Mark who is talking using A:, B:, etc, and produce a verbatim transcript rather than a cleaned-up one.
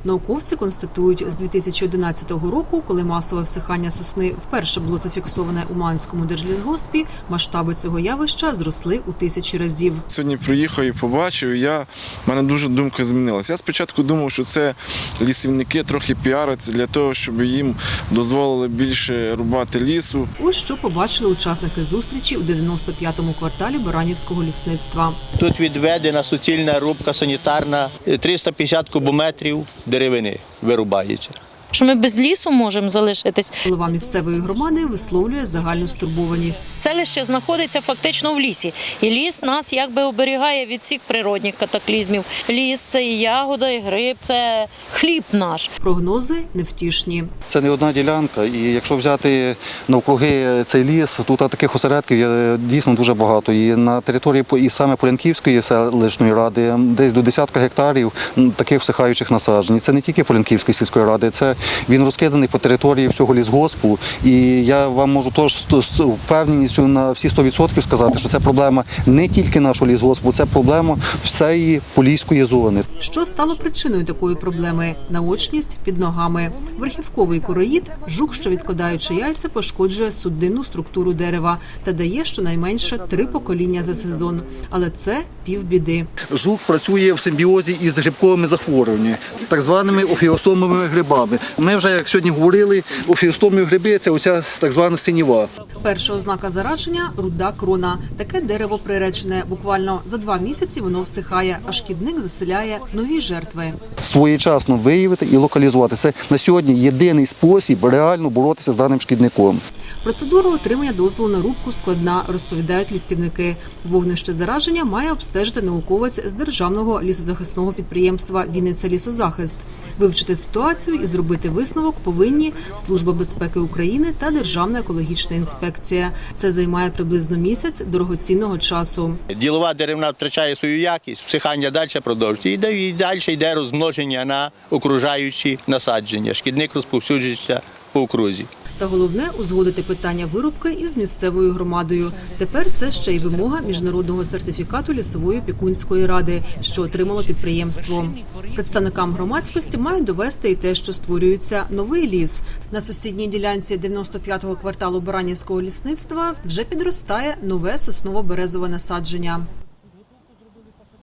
A: Науковці констатують, з дві тисячі одинадцятого року, коли масове всихання сосни вперше було зафіксоване у Уманському держлісгоспі, масштаби цього явища зросли у тисячі разів.
B: Сьогодні приїхав і побачив, я, в мене дуже думка змінилася. Я спочатку думав, що це лісівники трохи піаряться для того, щоб їм дозволили більше рубати лісу.
A: Ось що побачили учасники зустрічі у дев'яносто п'ятому кварталі Баранівського лісництва.
C: Тут відведена суцільна рубка санітарна, триста п'ятдесят кубометрів деревини вирубається.
D: Що ми без лісу можемо залишитись.
A: Голова місцевої громади висловлює загальну стурбованість.
D: Селище знаходиться фактично в лісі. І ліс нас якби оберігає від всіх природних катаклізмів. Ліс – це і ягода, і гриб, це хліб наш.
A: Прогнози невтішні.
E: Це не одна ділянка, і якщо взяти навкруги цей ліс, тут таких осередків є дійсно дуже багато. І на території і саме Полянківської селищної ради десь до десятка гектарів таких всихаючих насаджень. Це не тільки Полянківської сільської ради, це він розкиданий по території всього лісгоспу. І я вам можу теж з впевненістю на всі сто відсотків сказати, що це проблема не тільки нашого лісгоспу, це проблема всієї Поліської зони.
A: Що стало причиною такої проблеми? Наочність під ногами. Верхівковий короїд – жук, що відкладаючи яйця, пошкоджує судинну структуру дерева та дає щонайменше три покоління за сезон. Але це півбіди.
E: Жук працює в симбіозі із грибковими захворюваннями, так званими офіостомовими грибами. Ми вже, як сьогодні говорили, офіостомові гриби – це оця так звана синіва.
A: Перша ознака зараження – руда крона. Таке дерево приречене. Буквально за два місяці воно всихає, а шкідник заселяє нові жертви.
E: Своєчасно виявити і локалізувати – це на сьогодні єдиний спосіб реально боротися з даним шкідником.
A: Процедура отримання дозволу на рубку складна, розповідають лісівники. Вогнище зараження має обстежити науковець з державного лісозахисного підприємства «Вінниця-Лісозахист». Вивчити ситуацію і зробити висновок повинні Служба безпеки України та Державна екологічна інспекція. Це займає приблизно місяць дорогоцінного часу.
C: Ділова деревина втрачає свою якість, всихання далі продовжується. І далі йде розмноження на окружаючі насадження. Шкідник розповсюджується по окрузі.
A: Та головне – узгодити питання вирубки із місцевою громадою. Тепер це ще й вимога міжнародного сертифікату лісової опікунської ради, що отримало підприємство. Представникам громадськості мають довести і те, що створюється новий ліс. На сусідній ділянці дев'яносто п'ятого кварталу Баранівського лісництва вже підростає нове сосново-березове насадження.